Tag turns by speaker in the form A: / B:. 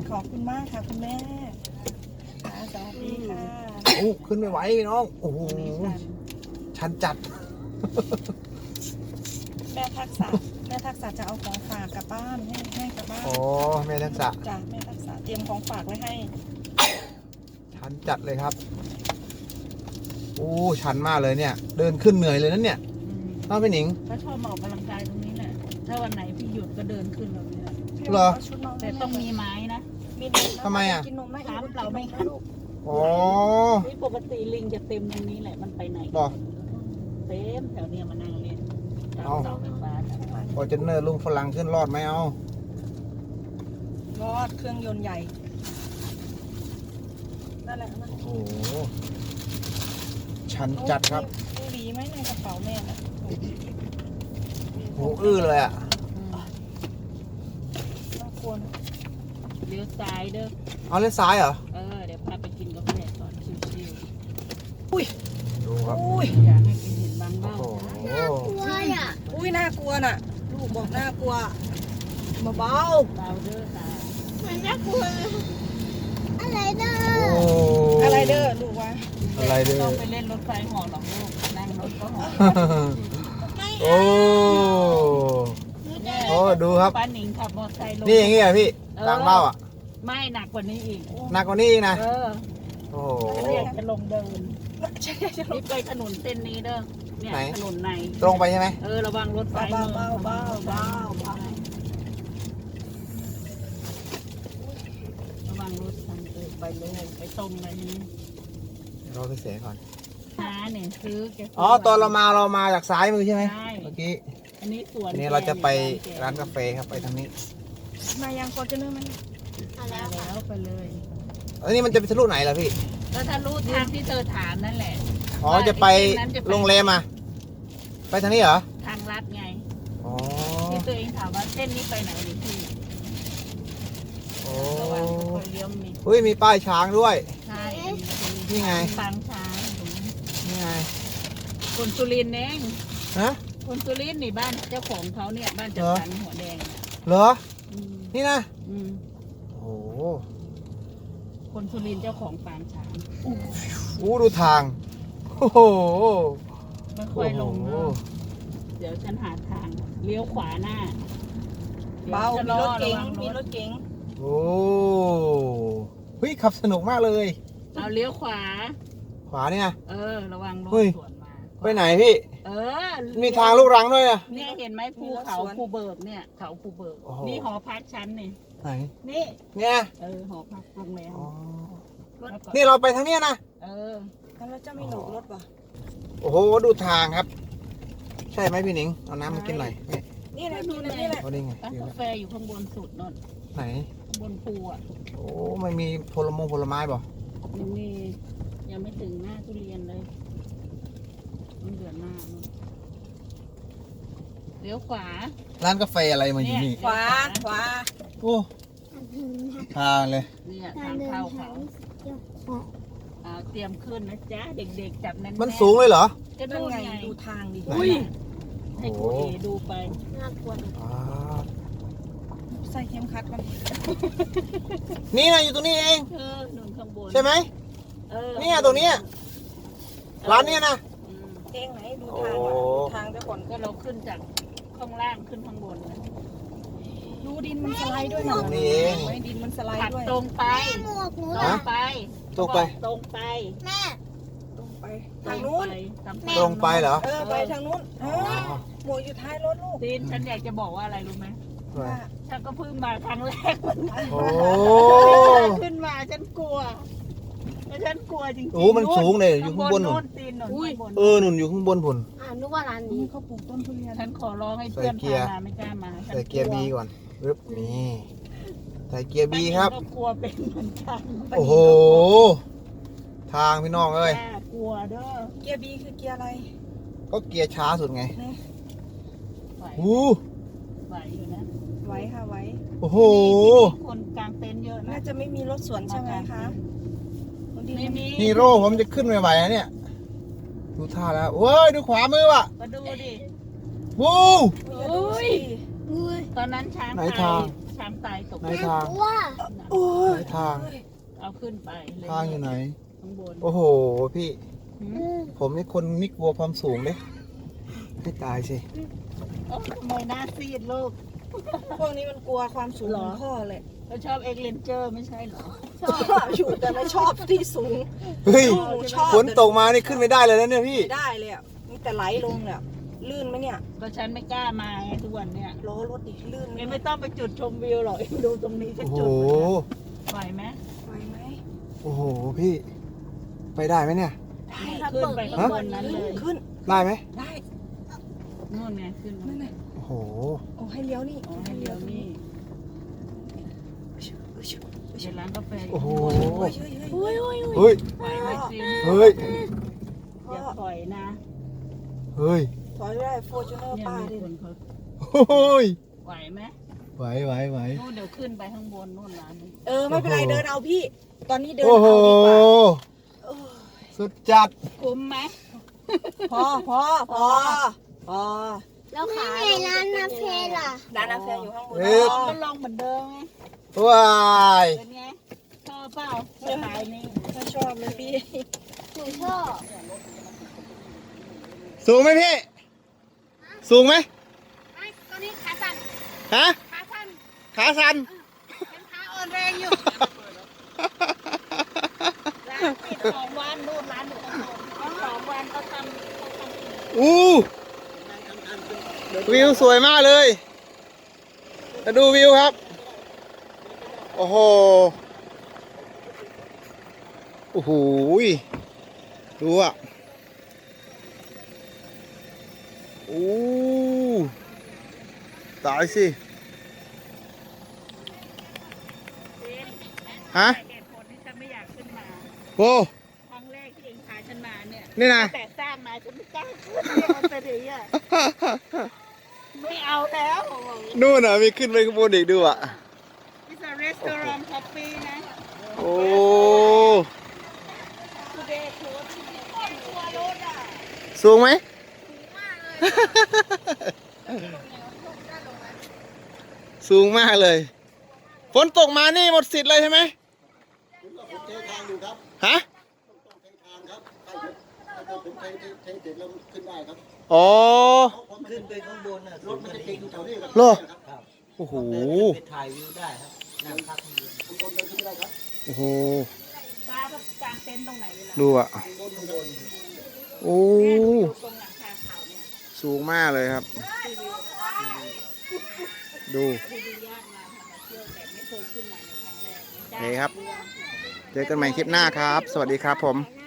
A: ขอบคุณมากค่ะคุณแม่ค่ะสวัสดีค่ะ
B: โอ้ขึ้นไม่ไหวน้องโอ้โหชันจัด
A: แม่ทักษะจะเอาของฝากกลับบ้านให้กลับบ้าน
B: โอ้แม่ทักษะ
A: จ้ะแม่ทักษะเตรียมของฝากไว้ให้
B: ชันจัดเลยครับโอ้ชันมากเลยเนี่ย เดินขึ้นเหนื่อยเลยนั่นเนี่ยน้องพี่หนิง
C: ถ้าชอบมาออกกำลังกายตรงนี้แหละถ้าวันไหนพี่หยุดก็เดินขึ้นแบบนี้แหละ
B: เหรอ
A: าชุดนอน
C: แต่ต้องมีไม้นะ
A: มีนม
B: ทำไมอ่ะ
A: กินนมไหม
C: ถามเราไหมคะ
A: ลูก
B: อ๋อ
C: นี่ปกติลิงจะเต็มตรงนี้แหละมันไปไหน
B: บอก
C: เต็มแถวเนี้ยมานั่งเล่นตาม
B: เอา
C: เสาไฟฟ้าน่ะ
B: ฟอร์จูเนอร์ลุงฝรั่งขึ้นรอดไหมเอา
A: รอดเครื่องยนต์ใหญ่นั่นแหละนะ
B: โอ้โหชันจัดครับ
A: มีหวีไหมในกระเป๋าแม่น่ะ
B: โหอื้อเลยอ่ะ
A: น่ากลัวนะ
C: เลี้ยวซ้ายเด้อ
B: เอาเล่นซ้ายเหรอ
C: เดี๋ยวพาไปกินกาแฟก่อนชิว
B: ดูครับ
A: อุ้ย
C: ๆอยากให้กินเห็นบาง
B: โอ้
C: เบ้า
B: โห
A: อุ้ยน่ากลัวน่ะลูกบอกน่ากลัวเบา
C: เบาเด้อตา
A: ๆ
B: โอ้
A: อะไรเด้อลูกวะ
B: อะไรเด้อ
C: ต้องไปเล่นรถไฟเหอหรอกลูกนั่งรถก็เหอ
B: โอ้โอ้ดูครับ
C: ป้าหนิงขับมอเตอร์ไซค์ลง
B: นี่อย่างงี้เหรอพี่ทางเบ้าอ่ะ
C: ไม่หนักกว่านี้อีก
B: หนักกว่านี้อีกนะ โอ้โห
C: เรียกจะลงเดิน
A: ใช่ใช่
C: นี่ไปถนนเส้นนี้เด้อ เนี่ย
B: ไหน
C: ถนนใน
B: ตรงไปใช่ไหม
C: ระวังรถไฟ
A: เบาเบาเบาเบาเบา
C: ระวังรถทางไปเลยไปตรงเลยนี่
B: รอพี่เสกก่อน
C: หาเนี่ยซื้อแกซื้
B: อ๋อตอนเรามาจากซ้ายมือใช่ไหม
C: ใช่
B: เมื่อกี้
C: อันนี้สวน
B: ทีนี้เราจะไป
C: แก
B: ร้านกาแฟครับไปทางนี้
A: มายังฟอร์จูเนอร์ไหม
C: แล้วไปเลย
B: แล้วนี่มันจะไปทะลุไหนล่ะพี่
C: ก็ถ้ารู้ทางที่เธอถามนั่นแหละ
B: อ๋อจะไปโรงแรมอ่ะไปทางนี้เหรอ
C: ทางลัดไง
B: อ๋อ
C: ที่ตัวเองถามว่าเส้นนี้ไปไหนนี่พี่
B: โอ้
C: ระวังคนเลี้ยวมี
B: เฮ้ยมีป้ายช้างด้วย
C: ใช่
B: นี่ไง
C: ปางช้างตรงนี้
B: นี่ไง
C: คนสุรินทร์เอง
B: ฮะ
C: คนสุรินทร์นี่บ้านเจ้าของเขาเนี่ยบ้านจัดสรรหัวแดง
B: เหรอ
C: อืม
B: นี่นะ
C: อืม
B: โอ้โห
C: คนสุรินทร์เจ้าของปางช้าง
B: อู้ดูทางโอ้โห
C: ไม่ค่อยลงเนอะเดี๋ยวฉันหาทางเลี้ยวขวาหน้า
A: เบา
C: ดี๋
A: มี
C: ยว
A: ร
C: จะ
A: ถเก๋ง
C: ระวั
A: มีรถเก๋ง
B: โอ้เฮ้ยขับสนุกมากเลย
C: เอาเลี้ยวขวา
B: ขวาเนี่ย
C: ระวังรถ
B: เฮ้ย
C: สวนมา
B: ไปไหนพี่ มี
C: มี
B: ทางลูกรังด้วยอ่ะ
C: เนี่ยเห็นไหมภูเขาภูเบิกเนี่ยเขาภูเบิก
B: โอ้โห
C: นี่หอพักชั้นนี่
B: ไหน
C: นี่
B: เนี่ย
C: หอพักโรงแรม
B: อ๋อ
C: แล้วก็
B: นี่เราไปทางเนี้ยนะ
A: แล้วเจ้าไม่หลบรถป่ะ
B: โอ้โหดูทางครับ ใช่ไหมพี่หนิงเอาน้ำมากินหน่อยนี่
A: นี่แหละกินอันนี่แหละ
B: โอ้นี่ไง
C: ร้าน
B: กิน
C: กา
B: แล้ว
C: แฟอยู่ข้างบนสุดนน
B: ไหน
C: ข้างบนภูอ่ะ
B: โอ้ไม่มีผลไม้บ่
C: ยังมียังไม่ถึงหน้าทุเรียนเลยมันเดือนหน้านู่นเลี้ยวขวา
B: ร้านกาแฟอะไรมาอยู่นี่
A: ขวาขวา
B: โอ้ทางเลย
C: เนี่ยทางเข้าเขาเอาเตรียมขึ้นนะจ๊ะเด็กๆจับแน่นๆ
B: มันสูงเลยเหรอ
C: ก็
A: นั่น
C: ดู
A: ไง
C: ไง
A: ดูทางดิ
B: อุ้ย
C: ให้ครูเอดูไป
B: อ่า
A: ใส่เข็มขัดมัน
B: นี่นะอยู่ตรงนี้เอง
C: หนุนข้างบน
B: ใช่ไหม เนี่ยตรงเนี้ย ร้านเนี้ยนะ
C: อืม
A: เองไหนดูทางว่ะ
B: โอ้
A: ดูทางเจ้าก่อน
C: ก็เราขึ้นจากข้างล่างขึ้นข้างบนนะ
A: ดูดินมันสไลด์ด้วยนะ
B: ตรงนี้เอง
A: ไว้ดินมันสไล
C: ขั
A: ด์
C: บ
A: ด้วย
C: ตรงไปตรงไป
B: ตรงไป
C: ตรงไป
A: ตรงไปทางนู้น
B: ตรงไปเหรอ
A: ไปทางนู้นหมวกอยู่ท้ายรถลูก
C: ตีนฉันอยากจะบอกว่าอะไรรู้ไหม
A: ว่า
C: ฉันก็เพิ่งมาครั้งแรกเหมือนกัน
B: โอ้
C: ขึ้นมาฉันกลัวแล้วฉันกลัวจริงๆ
B: โอ้มันสูงเลยอยู่ข้างบนหนุน
C: ตีนหนุนข้างบน
B: หนุนอยู่ข้างบนผุน
D: นึกว่าร้านนี้
A: เขาปลูกต้นทุเรียน
C: ฉันขอร้องให้เพื่อน
B: ใส่เกียร์
C: พามาไม่กล้ามาฉัน
B: ใส่เกียร์บีก่อนปึ๊บนี่ใส่เกียร์บีครับ
C: ก็กลัวเป็นเหมือนกัน
B: โอ้โห ทางพี่น้องเอ้ย
C: แม่กลัวเด้อ
A: เกียร์บีคือเกียร์อะไร
B: ก็เกียร์ช้าสุดไง
A: นี่
C: ไหว
B: อู้
C: ไหวอยู่นะ
A: ไว้ค่ะไว้
B: โอ้โห
C: ที่คนกลางเต็นท์เยอะนะ
A: น่าจะไม่มีรถสวนใช่ไหมคะคนที่
C: ไม่มี
B: ฮีโร่ผมจะขึ้นไม่ไหวนะเนี่ย ดูท่าแล้วเว้ย ดูขวามือว่ะ
C: มาดูดิ
B: วู้
A: อุ้ย
C: ตอนนั้นช้าง
B: ไหน
C: ไท
B: ทาง
C: ยช้างตายตก
B: ไหนทาง
A: โอ้ย
B: ไหนทาง
C: เอาขึ้นไปเลย
B: ทางอยู่ไหน
C: ข้างบน
B: โอ้โหพี่
C: หืม
B: ผมนี่คนไม่กลัวความสูงเลยให้ตายสิ
C: โอ้ทำไมหน้าซีดลูก
A: พวกนี้มันกลัวความสูง
C: หร
A: ข
C: อ
A: องพ่อเลย
C: เขาชอบเอ็กเลนเจอร์ไม่ใช่เหรอ
A: ชอบอยู่แต่ไม่ชอบที่สูง
B: เฮ้ย
A: หนูชอบ
B: ฝนตกมานี่ขึ้นไม่ได้เลยนะเนี่ยพี่
A: ไม่ได้เลยอ่ะมีแต่ไหลลงเลยอะลื่นไหมเนี่ย
C: ก็ฉันไม่กล้ามาไงทุกวันเนี่ย
A: ล้อรถดิลื่นไหม
C: เอ็มไม่ต้องไปจุดชมวิวหรอกเอ็มดูตรงนี้ก็
B: โอ้โห
C: จุดแล้วไหวไหม
A: ไหวไหม
B: โอ้โหพี่ ไปได้ไหมเนี่ย
C: เนี่ยขึ้นไปข้างบนนั้นเลย
A: ขึ้น
B: ได้ไหม
A: ได้
C: นู่นไงขึ้น
A: นั่นไง
B: โอ้โห
A: โอ้ให้เลี้ยวนี่
C: อ๋อให้เลี้ยวนี่
A: เ
C: เดี๋ยวร้านกาแฟ
B: โอ้โห
A: เฮ้ยเฮ้ย
B: เฮ้ย
C: ไหวไหมซิม
B: เฮ้ย
C: อย่าปล่อยนะ
B: เฮ้ย
A: ถอยไม่ได้โฟจูเนอร์
C: เนี่ย
A: ป้า
C: มี
A: ดิ
C: คนเขา
B: โอ้ย
C: ไหวไหม
B: ไหวไหวไหว
C: นู่นเดี๋ยวขึ้นไปข้างบนนู่นร้านนึง
A: ไม่เป็นไรเดินเอาพี่ ตอนนี้เดิน
B: โอ้
A: เอา
B: โห
A: ดีกว่าเออ
B: สุดจัด
C: คุ้มไหม
A: พอ
D: แล้วขายร้านกาแฟล่ะ
A: ร้านกาแฟอยู่ข้างบน
B: เอ๊ะ
C: ก็ลองเหมือนเดิมไง
B: ว้าย
C: เป็นไงชอบเปล่าสไตล์นี้
A: ไม่ชอบเลยพี่
D: หนูชอบ
B: สูงไหมพี่ สูงไหม
D: ไอ้ตัวนี้ขาสั่น
B: ฮะ
D: ขาสั่น
B: ขาสั่น
D: ยังขาอ่อนแรงอยู่
C: ร้านปิด2 วันนู่นร้านอยู่ข้างบน2 วันเขาทำ
B: อู้วิวสวยมากเลยมาดูวิวครับ โอ้โห โอ้โห ดูอ่ะโอ้ตายสิ ฮะ
C: เหตุผลที่ฉันไม่อยากขึ้นมา
B: โอ้
C: ครั้งแรกที่เองพาฉันมาเนี่ย
B: นี่นะ
C: แต่สร้างมาฉันไม่กล้าขึ้นเลยเอาแต่เดี๋ยวอะไม่เอาแล้ว
B: นู่นอ่ะ มีขึ้นไปข้างบนอีกดูอ่ะ
C: It's a restaurant coffee นะ
B: โอ้
C: Today close ทัวร์รถอ่ะ
B: สูงไหม สูงมากเลย ฝนตกมานี่หมดสิทธิ์เลยใช่ไหมฮะอ๋อ
E: ขึ้นไปข้างบนน่ะรถมันจะติดอยู่แถวนี้ครับ
B: เหรอ
E: ครับ
B: โอ้โห
E: ไปถ่ายวิวได้ครับนั่งพักข้างบนข้างบนเดินขึ้นได้ครับ
B: โอ้โห
C: ตาแบบกางเต็นท์ตรงไหนเวลา
B: ดูอ่ะ
E: ข้างบนข้างบน
B: โอ้
C: อยู่ตรงหลังคาเขาเนี่ย
B: สูงมากเลยครับ ดู
C: ที่ดูยากมาทำมาเที่ยวแต่ไม่เคยขึ้นมาในครั้งแรก
B: นี่ครับ เจอกันใหม่คลิปหน้าครับ สวัสดีครับผม
D: หน้า